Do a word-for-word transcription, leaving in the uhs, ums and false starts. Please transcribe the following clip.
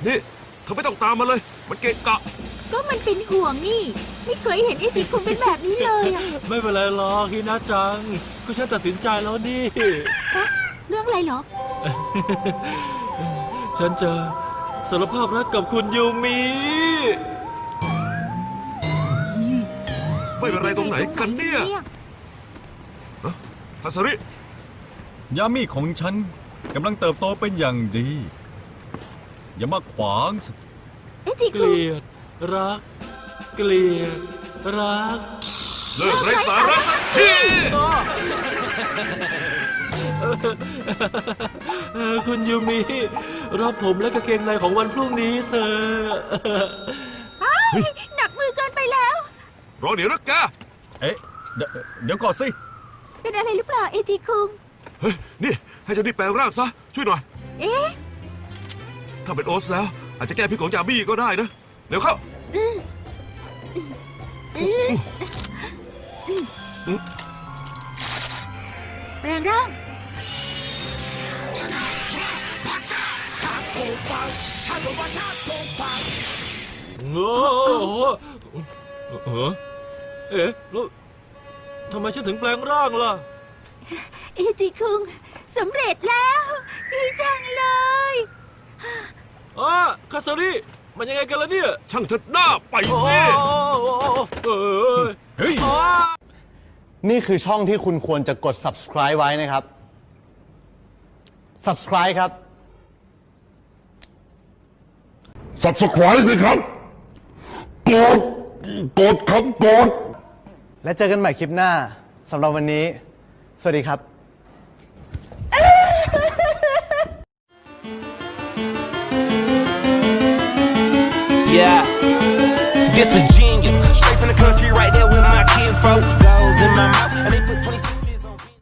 นี่เธอไม่ต้องตามมาเลยมันเกะกะก็มันเป็นห่วงนี่ไม่เคยเห็นไอจิคุงเป็นแบบนี้เลยอะไม่เป็นไรหรอกฮินาจังก็ฉันตัดสินใจแล้วนี่ฮะเรื่องอะไรเหรอฉันจะสารภาพรักกับคุณยูมิไม่เป็นไรตรงไหนกันเนี่ยทัศริยามีของฉันกำลังเติบโตเป็นอย่างดี อย่ามาขวางสิไอจิเกคุงลียดรัก เกลียดรักเลิกไร้สาระสักทีเออคุณยูมิรับผมและกางเกงในของวันพรุ่งนี้เถอะหนักมือเกินไปแล้วรอเดี๋ยวนะแกเอ๊ะเดี๋ยวเดี๋ยวก่อนสิเป็นอะไรหรือเปล่าไอจิคุงเฮ้ยนี่ให้เจ้านี่แปลงร่างซะช่วยหน่อยเอ๊ะถ้าเป็นโอ๊ตแล้วอาจจะแก้พิษของยาบี้ก็ได้นะเร็วเข้าแปลงร่างโอ้โหเออเอ๊ะแล้วทำไมฉันถึงแปลงร่างล่ะไอจิคุงสำเร็จแล้ว ดีจังเลยอ๋อคาซาริมันยังไงกันล่ะเนี่ยช่างเถิดหน้าไปโอ้สิเออเฮ้ยนี่คือช่องที่คุณควรจะกด subscribe ไว้นะครับ subscribe ครับ subscribe สิครับ กด กดครับกดและเจอกันใหม่คลิปหน้าสำหรับวันนี้ สวัสดีครับ Yeah, this a genius. Straight from the country, right there with my kinfolk. Goes in my mouth, and they put